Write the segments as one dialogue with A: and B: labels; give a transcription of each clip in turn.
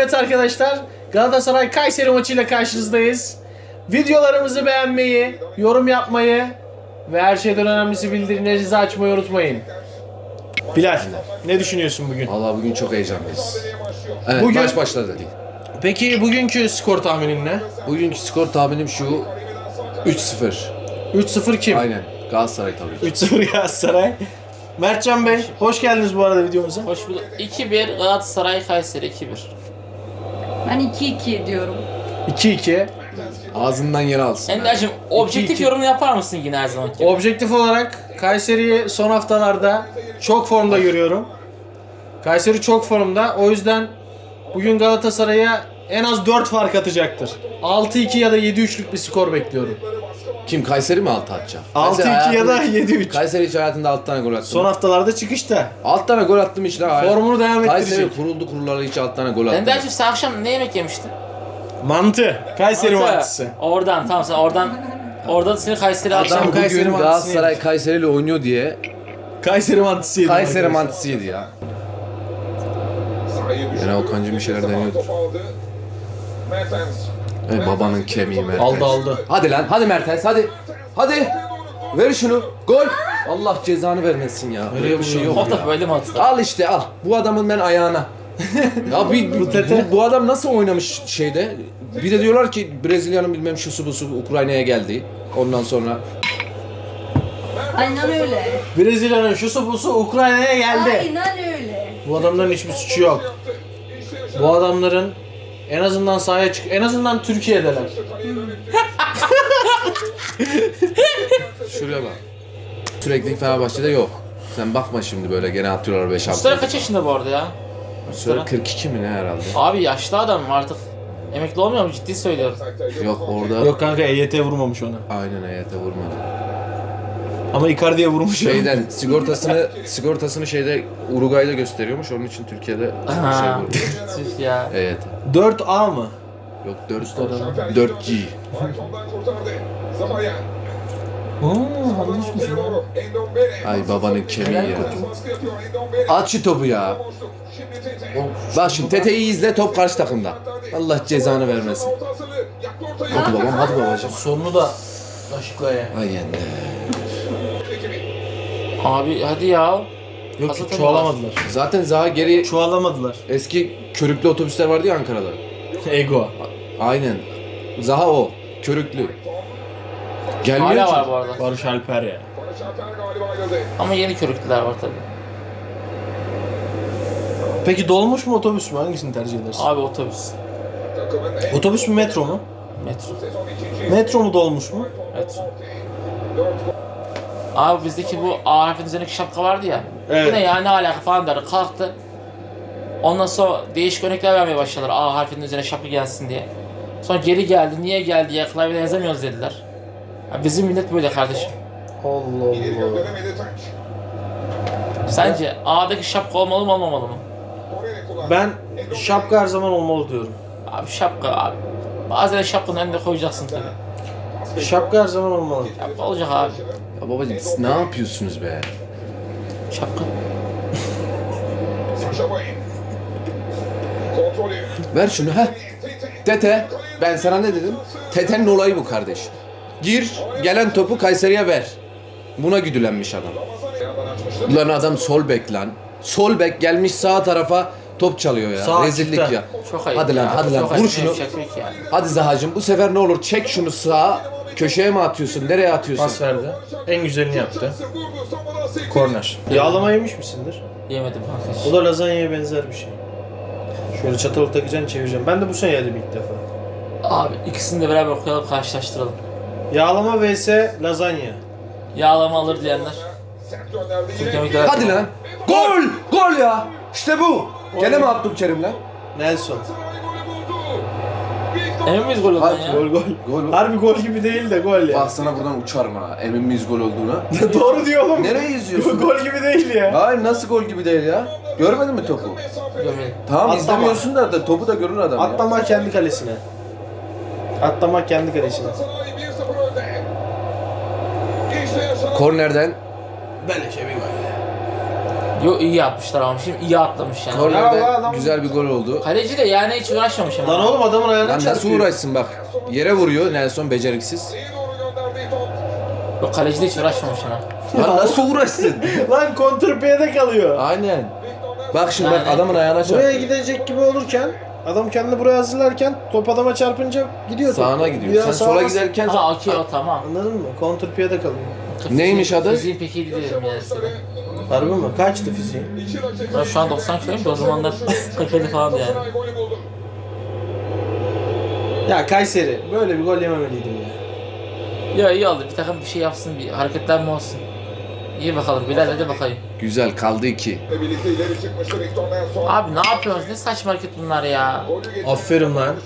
A: Evet arkadaşlar, Galatasaray Kayseri maçıyla karşınızdayız. Videolarımızı beğenmeyi, yorum yapmayı ve her şeyden önemlisi bildirimlerinizi açmayı unutmayın. Bilal, ne düşünüyorsun bugün?
B: Vallahi bugün çok heyecanlıyız. Evet,
A: Bugün-
B: maç başladı.
A: Peki bugünkü skor tahminin ne?
B: Bugünkü skor tahminim şu: 3-0.
A: 3-0 kim?
B: Aynen. Galatasaray tabii ki.
A: 3-0 Galatasaray. Mertcan Bey, hoş geldiniz bu arada videomuza.
C: Hoş bulduk. 2-1 Galatasaray Kayseri 2-1.
D: Ben 2-2 diyorum.
A: 2-2.
B: Ağzından yer alsın.
C: Ender'cim objektif
A: 2-2.
C: yorumunu yapar mısın yine her zaman gibi?
A: Objektif olarak Kayseri'yi son haftalarda çok formda görüyorum. Kayseri çok formda. O yüzden bugün Galatasaray'a en az 4 fark atacaktır. 6-2 ya da 7-3'lük bir skor bekliyorum.
B: Kim, Kayseri mi 6 atacak?
A: 6-2 ya da 7-3.
B: Kayseri hiç hayatında 6 tane gol attı.
A: Son haftalarda çıkışta.
B: 6 tane gol attım işte.
A: Formunu devam
B: Kayseri
A: ettirecek.
B: kuruldu kurulalı hiç 6 tane gol attı.
C: Ender'cim sen akşam ne yemek yemiştin?
A: Mantı. Kayseri
C: Mantı.
A: mantısı.
C: Oradan tamam sen oradan seni Kayseri
A: Adam
C: akşam
A: Kayseri
B: Bugün
A: mantısını
B: Galatasaray
A: yemiş.
B: Kayseri ile oynuyor diye
A: Kayseri mantısı yedim
B: Kayseri
A: arkadaşlar.
B: mantısı yedi ya. Yine Okan'cım bir şeyler deniyordur. Ey babanın kemiği Mertens.
A: Aldı.
B: Hadi lan, hadi Mertens, hadi. Hadi. Ver şunu. Gol. Allah cezanı vermesin ya. Böyle bir şey yok
C: o da
B: ya.
C: böyle mi atılır?
B: Al işte al. Bu adamın ben ayağına. Ya bu adam nasıl oynamış şeyde? Bir de diyorlar ki Brezilya'nın bilmem şusu busu Ukrayna'ya geldi. Ondan sonra
D: Aynen öyle.
A: Brezilya'nın şusu busu Ukrayna'ya geldi.
D: Aynen öyle.
A: Bu adamların hiçbir suçu yok. Bu adamların en azından sahaya en azından Türkiye'deler.
B: şuraya bak. Sürekli Fenerbahçe'de yok. Sen bakma şimdi böyle gene atıyorlar 5
C: Mustafa kaç yaşında bu arada ya?
B: Sonra
C: Mustafa.
B: 42 mi ne herhalde?
C: Abi yaşlı adam artık. Emekli olmuyor mu? Ciddi söylüyorum.
B: Yok orada.
A: Yok kanka EYT vurmamış ona.
B: Aynen hayata vurmadı.
A: Ama Icardi'ye vurmuş.
B: Şeyden sigortasını şeyde Uruguay'da gösteriyormuş. Onun için Türkiye'de şey
C: Ha.
B: vurdu.
C: Tüh ya.
B: Evet.
A: 4A mı?
B: Yok 4G. Ay babanın kemiği ya. At şu topu ya. Bak şimdi Tete'yi izle, top karşı takımda. Allah cezanı vermesin. Hadi babam, hadi babacığım.
A: Sonunu da aşıkla ya.
B: Ay yende.
C: Abi hadi ya.
A: Yok
C: Hazır
A: çoğalamadılar.
B: Zaten Zaha geri
A: Çoğalamadılar.
B: eski körüklü otobüsler vardı ya Ankara'da.
A: Ego.
B: Aynen. Zaha o. Körüklü. Gelmiyor
C: Hala
B: ki.
C: var bu arada.
A: Barış Alper ya.
C: Ama yeni körüklüler var tabii.
A: Peki dolmuş mu otobüs mü? Hangisini tercih edersin?
C: Abi otobüs.
A: Otobüs mü metro mu?
C: Metro.
A: Metro mu dolmuş mu?
C: Metro. Abi bizdeki bu A harfinin üzerindeki şapka vardı ya.
A: Evet.
C: Bu ne ya ne alaka falan der. Kalktı. Ondan sonra değişik örnekler vermeye başladılar. A harfinin üzerine şapka gelsin diye. Sonra geri geldi. Niye geldi ya? Klavyeden yazamıyoruz dediler. Ya bizim millet böyle kardeşim.
A: Allah Allah.
C: Sence A'daki şapka olmalı mı olmamalı mı?
A: Ben şapka her zaman olmalı diyorum.
C: Abi şapka abi. Bazen şapkanın önüne koyacaksın tabii.
A: Şapka her zaman olmalı.
C: Şapka olacak abi.
B: Ya babacığım siz ne yapıyorsunuz be?
C: Şapka.
B: Ver şunu ha. Tete, ben sana ne dedim? Tete'nin olayı bu kardeş. Gir, gelen topu Kayseri'ye ver. Buna güdülenmiş adam. Lan adam sol bek lan. Sol bek gelmiş sağ tarafa top çalıyor ya.
A: Sağ
B: Rezillik
A: açıkta.
B: ya.
C: Çok ayıp
B: Hadi lan,
C: ya.
B: hadi lan.
C: Çok
B: Vur
C: ayıp.
B: şunu.
C: Şaka yok ya.
B: Hadi Zahacım bu sefer ne olur çek şunu sağa. Köşeye mi atıyorsun? Nereye atıyorsun?
A: Pas verdi. En güzelini yaptı. Korner. Yağlama yemiş misindir?
C: Yemedim kanka.
A: O da lazanyaya benzer bir şey. Şöyle çatalı takacaksın çevireceksin. Ben de bu sene yedim ilk defa.
C: Abi ikisini de beraber okuyalım karşılaştıralım.
A: Yağlama vs lazanya.
C: Yağlama alır diyenler. Türk yemekleri.
B: Hadi lan. Gol! Gol ya! İşte bu. Gene mi Abdülkerim lan?
A: Nelson.
C: Emin miyiz gol olduğundan ya?
A: Gol gol.
B: Gol.
A: Harbi gol gibi değil de gol ya.
B: Bak sana buradan uçarım ha. Emin miyiz gol olduğuna?
A: Doğru diyor oğlum.
B: Nereye izliyorsun?
A: Gol gibi değil ya.
B: Hayır nasıl gol gibi değil ya? Görmedin mi topu?
C: Görmedim.
B: Tamam
A: Atlama.
B: izlemiyorsun da topu da görür adam ya.
A: Atlama kendi kalesine. Atlama kendi kalesine.
B: Kornerden
A: Beleşe bir gol.
C: Yo iyi yapmışlar ama şimdi iyi atlamış yani.
A: Ya
B: Kornerde
A: adam-
B: güzel bir gol oldu.
C: Kaleci de yani hiç uğraşmamış ama.
A: Lan oğlum adamın ayağına
B: Lan nasıl
A: çarpıyor.
B: uğraşsın bak. Yere vuruyor Nelson beceriksiz.
C: Yok kaleci de hiç uğraşmamış ama.
B: Lan nasıl uğraşsın?
A: Lan kontrpiyede kalıyor.
B: Aynen. Bak şimdi bak
C: Yani-
B: adamın ayağına
A: Buraya
B: çarptı.
A: gidecek gibi olurken adam kendini buraya hazırlarken top adama çarpınca gidiyor top.
B: Sağına
A: Bir
B: gidiyor.
A: daha
B: Sen
A: sağa
B: sola
A: bas-
B: giderken
C: Ha okey o tamam.
A: Anladın mı? Kontrpiyede kalıyor.
B: Neymiş adı?
C: Fiziğin pek iyi değilim yani senin.
A: Harbi mi? Kaçtı fiziği?
C: Ben şu an 90 kiloyum da o zamanlar 47 falan yani.
A: Ya Kayseri böyle bir gol yememeliydim ya.
C: Ya iyi oldu bir takım bir şey yapsın bir hareketlenme olsun. İyi bakalım Bilal hadi bakayım.
B: güzel kaldı 2.
C: Abi ne yapıyorsunuz ne saçma hareket bunlar ya.
A: Aferin lan.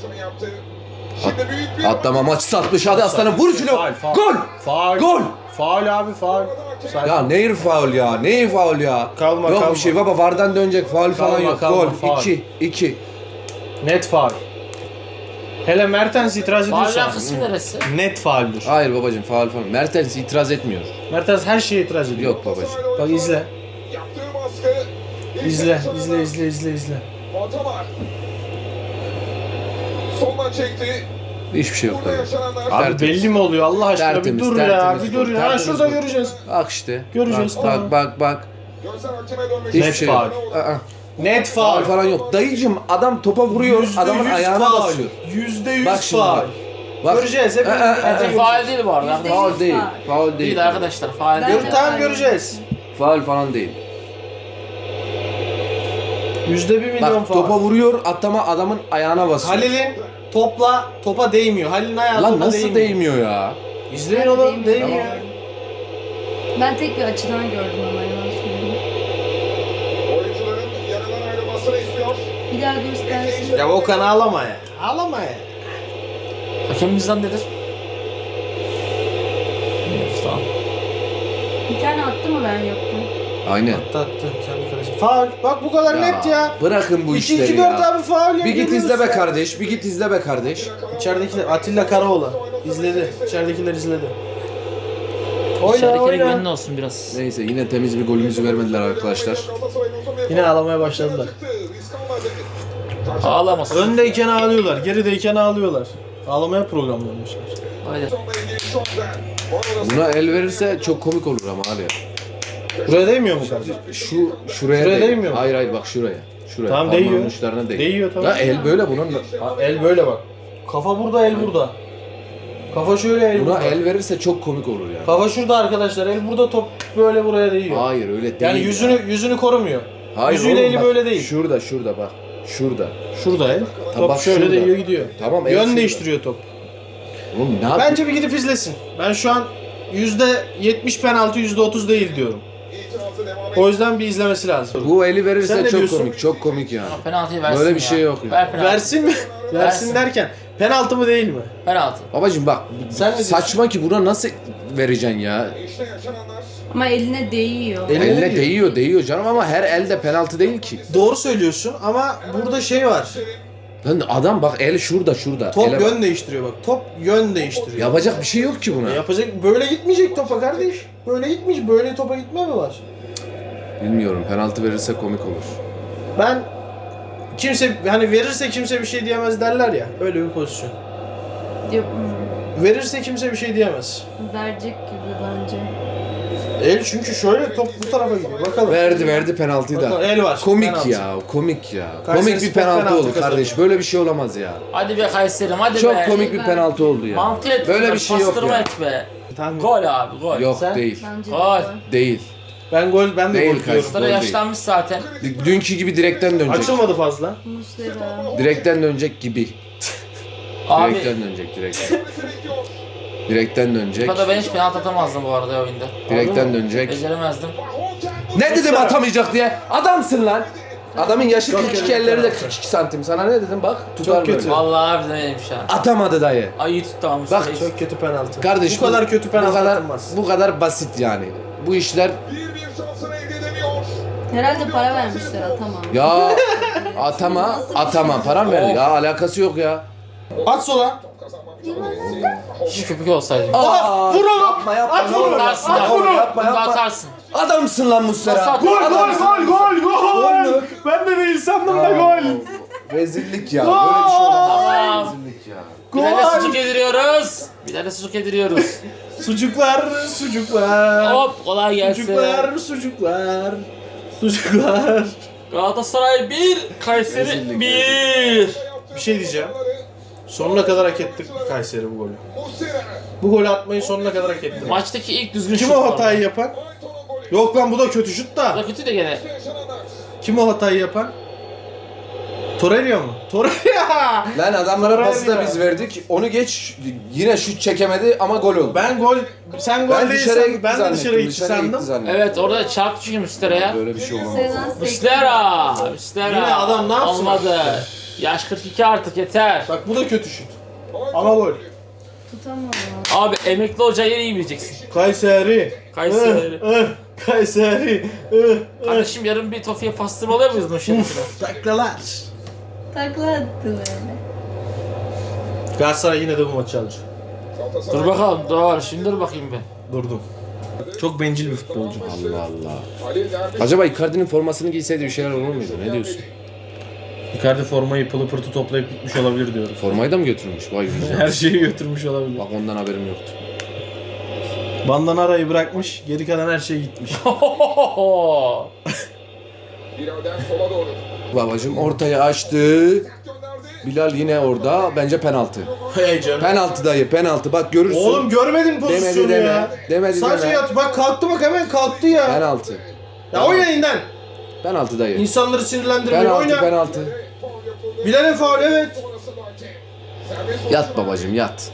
B: Atlama maçı satmış hadi aslanım vur şunu.
A: Faul, faul.
B: Gol!
A: Faul.
B: Gol!
A: Faul abi faul.
B: Ya neyir faul ya? Neyir faul ya?
A: Kalma,
B: Yok
A: kalma.
B: bir şey baba VAR'dan dönecek faul falan
A: Kalma,
B: yok.
A: kalma,
B: Gol
A: faul.
B: 2.
A: Net faul. Hele Mertens itiraz ediyorsa
C: Bağlayan kısmı neresi?
A: net fauldür.
B: Hayır babacığım faul falan. Mertens itiraz etmiyor.
A: Mertens her şeye itiraz ediyor.
B: Yok babacığım.
A: Bak izle. İzle.
E: Soldan çekti.
B: Hiçbir şey yok
E: Burada
B: tabii.
E: yaşananlar.
A: Abi
B: Tertemiz.
A: belli mi oluyor Allah aşkına
B: Tertemiz,
A: bir dur ya
B: tertemiz
A: bir dur
B: gol,
A: ya. Ha
B: tertemiz
A: şurada
B: gol.
A: göreceğiz.
B: Bak işte.
A: Göreceğiz,
B: Bak
A: tamam.
B: bak.
E: Gözler hakeme dönmüş.
B: Hiçbir
A: Net
B: şey
A: faul.
B: yok. Aa,
A: Net
B: faul
A: faul.
B: falan yok. Dayıcım adam topa vuruyor. Adamın
A: %100
B: ayağına
A: faul.
B: basıyor.
A: %100
B: Bak şimdi
A: faul.
B: bak. Bak.
A: Göreceğiz hepimiz.
C: Bence faal değil bu arada.
D: Yüzde-
B: Faul değil. Faul değil.
C: Değil arkadaşlar faal
D: Bence-
C: değil.
A: Tamam göreceğiz.
B: Faul falan değil.
A: %1 milyon
B: Bak
A: faul.
B: topa vuruyor. Atlama adamın ayağına basıyor.
A: Halil'in topa değmiyor. Halil'in ayağı
B: Lan
A: topa
B: nasıl değmiyor ya?
A: İzleyin oğlum değmiyor.
D: Ben tek bir açıdan gördüm ama yalan söyleyeyim.
E: Oyuncuların yanından ayrılmasını istiyor.
D: Bir daha göstersin.
A: Ya Okan ağlama ya. Ağlama ya.
C: Hakemimizden nedir? Tamam.
D: Bir tane attı mı ben yokken?
B: Aynen.
A: Attı kendi kalesi. Faul. Bak bu kadar net ya.
B: Bırakın bu işleri
A: 2-2-4
B: ya.
A: abi faul ya.
B: Bir git
A: görüyoruz
B: izle be
A: ya.
B: kardeş. Bir git izle be kardeş.
A: İçeridekiler Atilla Karaoğlan izledi. İçeridekiler izledi. Oyna
C: İçeridekine güvenli
A: oyna.
C: olsun biraz.
B: Neyse yine temiz bir golümüzü vermediler arkadaşlar.
A: Yine ağlamaya başladılar.
C: Ağlamasın.
A: Öndeyken ağlıyorlar, gerideyken ağlıyorlar. Ağlamaya programlanmışlar.
C: Haydi.
B: Buna el verirse çok komik olur ama abi.
A: Buraya değmiyor mu kardeşim?
B: Şuraya
A: Şuraya
B: değil.
A: değmiyor mu?
B: Hayır bak şuraya. Şuraya.
A: Tamam,
B: Parmağın
A: değiyor.
B: uçlarına değil.
A: Değiyor tamam.
B: Ya el böyle bunun.
A: Ha, el böyle bak. Kafa burada, el burada. Kafa şöyle, el
B: Buna
A: burada.
B: el verirse çok komik olur yani.
A: Kafa şurada arkadaşlar, el burada, top böyle buraya değiyor.
B: Hayır öyle değil.
A: Yani yüzünü korumuyor. yüzüyle
B: oğlum,
A: eli
B: bak,
A: böyle değil.
B: Şurada bak. Şurada.
A: Şurada el. Top
B: bak
A: şöyle
B: şurada.
A: değiyor gidiyor.
B: Tamam el
A: Yön
B: şurada.
A: değiştiriyor top.
B: Oğlum ne yapayım?
A: Bence bir gidip izlesin. Ben şu an %70 penaltı, %30 değil diyorum. O yüzden bir izlemesi lazım.
B: Bu eli
A: Sen
B: verirse
A: ne
B: çok
A: diyorsun?
B: komik. Çok komik yani.
C: Penaltıyı versin
B: Böyle bir
C: ya.
B: şey yok ya.
C: Ver penaltı.
A: Versin mi? Versin
C: Versin.
A: derken penaltı mı değil mi?
C: Penaltı.
B: Babacım bak
A: Sen ne diyorsun?
B: saçma ki buna nasıl vereceksin ya?
E: İşte yaşananlar.
D: Ama eline değiyor.
A: Eline
B: Elle
A: değiyor.
B: değiyor canım ama her elde penaltı değil ki.
A: Doğru söylüyorsun ama burada şey var.
B: Lan adam bak el şurada.
A: Top
B: Ele bak.
A: yön değiştiriyor bak. Top yön değiştiriyor.
B: Yapacak bir şey yok ki buna.
A: Yapacak böyle gitmeyecek topa kardeş. Böyle gitmiş. Böyle topa gitme mi var?
B: Bilmiyorum penaltı verirse komik olur.
A: Ben kimse hani verirse kimse bir şey diyemez derler ya. Öyle bir pozisyon.
D: Yok,
A: Verirse kimse bir şey diyemez.
D: verecek gibi bence.
A: El çünkü şöyle top bu tarafa gidiyor. Bakalım.
B: Verdi penaltıyı
A: Bakalım,
B: da.
A: el var.
B: Komik
A: penaltı.
B: ya, komik ya.
A: Kayseri
B: Komik bir
A: Spor
B: penaltı
A: penaltı
B: oldu kardeş.
A: kazanıyor.
B: Böyle bir şey olamaz ya.
C: Hadi be Kayseri'm hadi
B: Çok
C: be.
B: komik bir penaltı oldu ya.
C: Mantı et.
B: Böyle bir şey yok
C: pastırma
B: ya.
C: et be.
A: Tamam.
C: Gol abi gol.
B: Yok
A: Sen?
B: değil.
D: Bence de
C: Gol.
D: gol.
B: Değil.
A: Ben de
B: Değil
A: gol diyorum.
C: Sıra
B: Gol değil.
C: yaşlanmış zaten.
B: Dünkü gibi direkten dönecek.
A: Açılmadı fazla.
D: Muslera.
B: Direkten dönecek gibi.
C: Abi
B: Direkten dönecek direkten. Direkten dönecek.
C: Kupada ben hiç penaltı atamazdım bu arada oyunda.
B: Direkten dönecek.
C: Beceremezdim.
B: Ne dedim atamayacak diye? Adamsın lan. Adamın yaşı
A: Çok
B: 42,
A: kötü
B: elleri de
A: penaltı.
B: 42 santim. Sana ne dedim bak? Tutar
A: Çok kötü.
B: böyle.
C: Vallahi harbiden öyleymiş ha.
B: Atamadı dayı.
C: Ay iyi tuttu ama
B: Bak,
C: Mustafa.
A: Çok kötü penaltı.
B: Kardeş
A: bu kadar kötü penaltı atılmaz.
B: bu kadar basit yani. Bu işler
E: Bir şansını elde edemiyor.
D: Herhalde para vermişler atamam.
B: ya atama param ver ya alakası yok ya.
A: At sola.
E: Kazanmak
C: Köpük olsaydı.
B: Aa,
A: vur oğlum.
B: Yapma yapma.
A: At
B: ne olur,
A: vur.
C: Atarsın
B: yapma,
C: abi.
B: oğlum, yapma
C: Bunu
B: yapma.
C: atarsın.
B: Adamsın lan Muslera.
C: Nasıl
A: Gol
B: Adamsın.
A: gol.
B: Gol mü?
A: Ben de değil sandım da gol.
B: Rezillik ya. Böyle bir şey olamaz.
C: Tamam.
B: Rezillik ya.
C: Bir tane
A: Gol.
C: sucuk yediriyoruz. Bir tane sucuk yediriyoruz.
A: Sucuklar.
C: Hop kolay gelsin.
A: Sucuklar.
C: Galatasaray 1, Kayseri
B: Rezillik,
C: 1.
A: Bir şey diyeceğim. Sonuna kadar hak ettik Kayseri bu golü.
E: Muslera.
A: Bu golü atmayı sonuna kadar hak ettik.
C: Maçtaki ilk düzgün
A: Kim
C: şut
A: o
C: bu
A: hatayı
C: arada.
A: yapan? Yok lan bu da kötü şut
C: Bu
A: da.
C: da kötü de gene.
E: Yaşananlar.
A: Kim o hatayı yapan? Torreira mu? Torreira!
B: Lan adamlara pası da
A: Torreira.
B: biz verdik. Onu geç yine şut çekemedi ama gol oldu.
A: Sen gol
B: Ben dışarıya
A: değilsen
B: gitti
A: ben de
B: zannettim.
A: dışarıya gitti
B: Dışarıya gitti
A: sandım.
B: zannettim.
C: Evet orada çarptı çünkü Müstera'ya.
B: Böyle bir şey olamaz.
D: Sezen sekti.
C: Müstera.
A: Yine adam ne yapsın?
C: Olmadı. Yaş 42 artık yeter.
A: Bak bu da kötü şut. Ama gol.
D: Tutamadım.
C: Abi emekli hoca yeri iyi bileceksin.
A: Kayseri.
C: Kayseri.
A: Kayseri.
C: Kardeşim yarın bir Tofi'ye pastırma oluyor muyuz bu şerefine?
A: Taklalar.
D: Takla attı böyle.
A: Galatasaray yine de bu maçı alacak.
C: Dur bakalım dur şimdi dur bakayım be.
A: Durdum. Çok bencil bir futbolcu.
B: Allah Allah.
E: Halil Derviş.
B: Acaba Icardi'nin formasını giyseydi bir şeyler olur muydu? Ne diyorsun?
A: Icardi formayı pılı pırtı toplayıp gitmiş olabilir diyorum.
B: Formayı da mı götürmüş? Vay güzel.
A: Her şeyi götürmüş olabilir.
B: Bak ondan haberim yoktu.
A: Bandanarayı bırakmış, geri kalan her şey gitmiş.
E: Bilal'den sola doğru.
B: Babacım ortaya açtı.
E: Gönderdi.
B: Bilal yine orada. Bence penaltı.
A: Hey canım.
B: Penaltı dayı penaltı. Bak görürsün.
A: Oğlum görmedin pozisyonu
B: Demedi
A: ya.
B: Demedi
A: Sadece
B: deme.
A: yat. Bak kalktı bak hemen kalktı ya.
B: Penaltı.
A: Ya oynayın lan.
B: Penaltı dayı.
A: İnsanları sinirlendirmeyin.
B: Penaltı
A: Oyna.
B: penaltı.
E: Faul yapıldı.
A: Bilal'in faul evet.
E: Sonrası Duarte. Serbest
B: Yat babacım yat.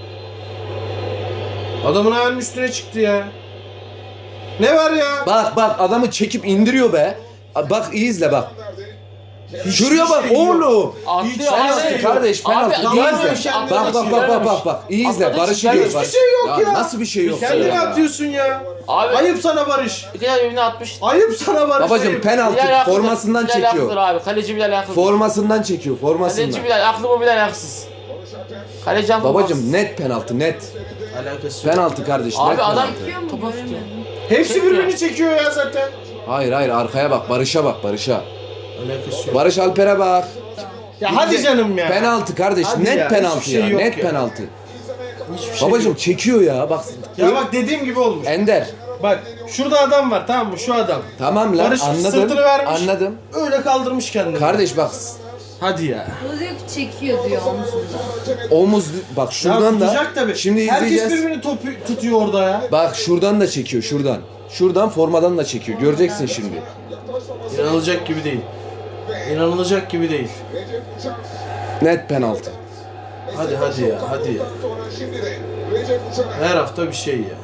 A: Adamın ayağının üstüne çıktı ya. Ne var ya?
B: Bak bak adamı çekip indiriyor be. Bak iyi izle bak.
E: gönderdi.
B: Şuraya bak
A: şey yok.
B: oğlum.
A: Hiç
C: Atlıyor
A: penaltı
C: abi.
A: yok.
B: Kardeş penaltı.
C: Abi,
B: İyi
A: adam
B: izle.
A: kendini
B: Bak bak bak bak bak. İyi izle.
C: Atladı,
B: Barış'ı
C: çizgiler
B: diyor.
A: Hiçbir şey yok ya.
B: Nasıl bir şey yok
A: Kendini
B: ya?
A: atıyorsun ya.
C: Abi
A: Ayıp sana Barış.
C: bir kere birbirine atmış.
A: Ayıp sana Barış.
B: Babacım
A: ayıp.
B: penaltı
C: Bilal haklıdır,
B: formasından
C: Bilal haklıdır
B: çekiyor.
C: abi. Kaleci Bilal haklıdır.
B: Formasından çekiyor
C: Kaleci
B: formasından.
C: Bilal haklı mı Bilal haksız. Kaleci haklı
B: Babacım net penaltı net.
A: Alakası yok.
B: Penaltı kardeş
C: Abi
B: net
C: adam-
B: penaltı.
D: Çekiyor mu?
C: Topa tutuyor.
D: Göremedim.
A: Hepsi birbirini çekiyor ya zaten.
B: Hayır hayır arkaya bak Barış'a bak Barış'a.
A: Alakası yok.
B: Barış Alper'e bak.
A: Ya hadi canım ya.
B: Penaltı kardeş
A: Hadi
B: net
A: ya,
B: penaltı
A: hiçbir şey
B: ya
A: yok
B: net
A: ya.
B: penaltı.
A: Hiçbir şey
B: Babacım
A: yok.
B: çekiyor ya bak.
A: Ya bak dediğim gibi olmuş.
B: Ender.
A: Bak şurada adam var tamam mı şu adam.
B: Tamam lan
A: Barış
B: anladım.
A: sırtını vermiş.
B: Anladım.
A: Öyle kaldırmış kendini.
B: Kardeş bak
A: Hadi ya.
D: O diyor ki çekiyor diyor omzunda.
B: omuz bak şuradan
A: ya
B: da
A: tutacak tabii.
B: şimdi
A: Herkes
B: izleyeceğiz.
A: birbirini topu tutuyor orada ya.
B: Bak şuradan da çekiyor şuradan. Şuradan formadan da çekiyor. Göreceksin şimdi.
A: İnanılacak gibi değil. İnanılacak gibi değil.
E: Recep Uçar.
B: Net penaltı.
A: Hadi hadi ya hadi ya.
E: Sonra şimdi de Recep Uçar.
A: Her hafta bir şey ya.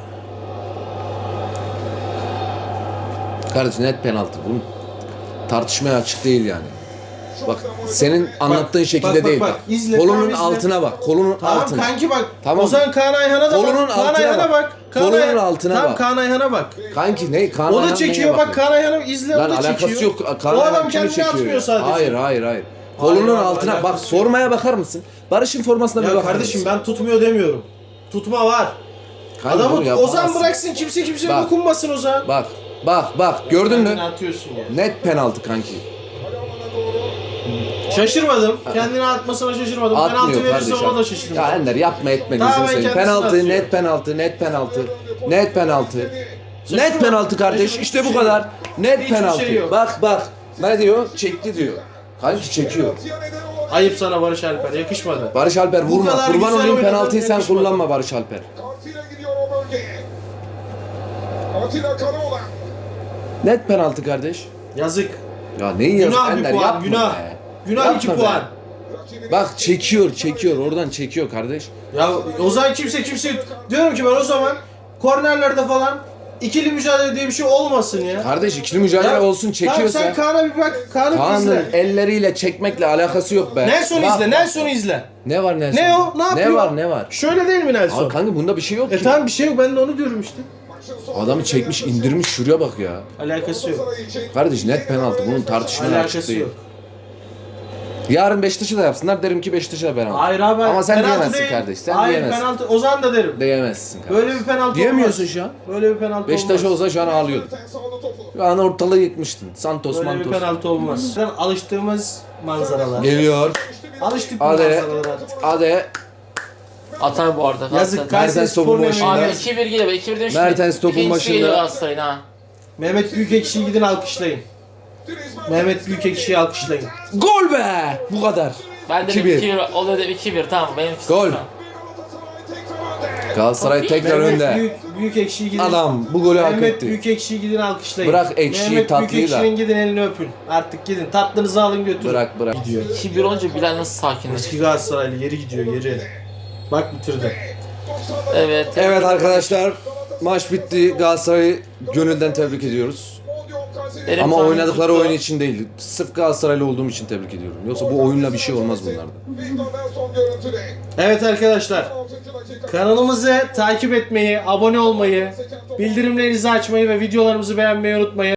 B: Kardeş net penaltı. Bunun tartışmaya açık değil yani. Bak senin anlattığın şekilde
A: bak,
B: değil
A: bak.
B: bak.
A: İzle,
B: Kolunun
A: tamam, izle.
B: altına bak. Kolunun
A: Tamam
B: altına.
A: kanki bak.
B: Tamam.
A: Ozan Kaan Ayhan'a da
B: Kolunun
A: bak. Kaan
B: altına
A: Ayhan'a
B: bak.
A: bak. Kaan
B: Kolunun
A: Ayhan-
B: altına
A: tamam,
B: bak.
A: Kaan Ayhan'a bak.
B: Kanki ne? Kaan
A: O da
B: Ayhan
A: çekiyor
B: neye
A: bak
B: bakıyor?
A: Kaan Ayhan'ı izle
B: Lan
A: o da
B: alakası
A: çekiyor.
B: yok. Kaan
A: O
B: Ayhan
A: adam
B: kimi
A: kendini
B: çekiyor
A: atmıyor
B: ya?
A: sadece.
B: Hayır hayır hayır. Kolunun
A: Hayır,
B: altına bak
A: alakası yok.
B: formaya bakar mısın? Barış'ın formasına bir
A: Ya
B: bakar
A: kardeşim
B: mısın?
A: ben tutmuyor demiyorum. Tutma var.
B: Kanka bunu
A: Adamı
B: yapamazsın.
A: Ozan bıraksın kimseye
B: Bak.
A: dokunmasın Ozan.
B: Bak gördün mü?
A: Kendini atıyorsun ya.
B: Net penaltı kanki.
A: Şaşırmadım. Kendini atmasına şaşırmadım. Penaltı
B: Atmıyor
A: verirse
B: kardeşim.
A: ona da şaşırmadım.
B: Ya Ender yapma etme
A: Tamamen
B: gözünü seveyim.
A: kendisini
B: Penaltı,
A: atıyor.
B: net penaltı, net penaltı. Net penaltı.
A: Şaşırma.
B: Net penaltı kardeş.
A: Şaşırma.
B: İşte bu
A: Hiçbir
B: kadar.
A: şey
B: Net
A: Hiçbir
B: penaltı.
A: şey yok.
B: Bak. Ne diyor? Çekti diyor. Kanki çekiyor.
A: Ayıp sana Barış Alper. Yakışmadı.
B: Barış Alper
A: Bu
B: vurma.
A: kadar
B: Kurban
A: güzel
B: olayım
A: oynadın,
B: penaltıyı sen
A: yakışmadı.
B: kullanma Barış Alper.
E: Kartıyla gidiyor o bölgeye. Atilla Karaoğlan.
B: Net penaltı kardeş.
A: Yazık.
B: Ya neyi yazık
A: Günah bir
B: Ender
A: puan.
B: yapma
A: Günah.
B: be.
A: Günah
B: Yapma
A: 2
B: be.
A: puan.
E: Rakibini
B: Bak çekiyor oradan çekiyor kardeş.
A: Ya Ozan kimse diyorum ki ben o zaman kornerlerde falan ikili mücadele diye bir şey olmasın ya.
B: Kardeş ikili mücadele
A: Ya,
B: olsun çekiyorsa.
A: Tamam sen Kaan'a bir bak. Kaan'ı bir
B: Kaan'ın
A: izle.
B: elleriyle çekmekle alakası yok be.
A: Nelson
B: Bak,
A: izle.
B: bak.
A: Nelson'u izle.
B: Ne var Nelson?
A: Ne o? Ne yapıyor?
B: Ne var?
A: Şöyle değil mi Nelson?
B: Abi kanka bunda bir şey yok ki.
A: Tamam bir şey yok. Ben de onu diyorum işte.
B: Adamı çekmiş indirmiş şuraya bak ya.
A: Alakası yok.
B: Kardeş net penaltı bunun tartışmaya açık
A: Alakası
B: değil.
A: yok.
B: Yarın Beşiktaş'ı da yapsınlar derim ki Beşiktaş'a penaltı.
A: Hayır abi.
B: Ama sen
A: penaltı
B: diyemezsin
A: değil.
B: kardeş, sen
A: Hayır,
B: diyemezsin.
A: penaltı. Ozan da derim.
B: Diyemezsin kardeş.
A: Böyle bir penaltı
B: Diyemiyorsun
A: olmaz.
B: şu an.
A: Böyle bir penaltı
B: Beşiktaş
A: olmaz.
B: olsa şu an ağlıyordun. Şu an ortalığı yıkmıştın. Santos,
A: Böyle bir
B: Mantos.
A: penaltı olmaz. Alıştığımız manzaralar.
B: Geliyor.
A: Alıştık bu
B: Hadi.
A: manzaralara artık.
B: Hadi.
C: Atar bu arada.
A: Yazık
C: Galatasaray.
A: Kayseri
B: Mertens topun
A: Spor'un
B: başında.
C: Abi
A: emeğine.
C: 2-1 geliyor. 2-1 demiş.
B: Mertens topun başında.
C: Galatasaray'ın ha.
A: Mehmet Büyükekşi'yi gidin alkışlayın. Mehmet Büyükekşi'yi alkışlayın.
B: Gol be! Bu kadar.
C: Ben de
B: 2-1.
C: 2-1 oluyor dedim 2-1 tamam benim
B: Gol. Galatasaray tekrar
A: Mehmet
B: önde.
A: Büyükekşi'yi gidin.
B: Adam bu golü hak
A: Mehmet
B: etti.
A: Büyükekşi'yi gidin alkışlayın.
B: Bırak ekşiyi,
A: Mehmet
B: tatlıyı da.
A: Büyükekşi'nin gidin elini öpün. Artık gidin. Tatlınızı alın götürün.
B: Bırak.
C: 2-1 olunca Bilal nasıl sakinleşti?
A: Eski Galatasaraylı geri gidiyor geri. Bak bitirdi.
C: Evet.
B: Evet arkadaşlar. Maç bitti. Galatasaray'ı gönülden tebrik ediyoruz.
C: Benim
B: Ama
C: tahminim
B: oynadıkları
C: tuttu.
B: oyun için değil. Sırf Galatasaraylı olduğum için tebrik ediyorum. Yoksa bu oyunla bir şey olmaz bunlarda.
A: Evet arkadaşlar. Kanalımızı takip etmeyi, abone olmayı, bildirimlerinizi açmayı ve videolarımızı beğenmeyi unutmayın.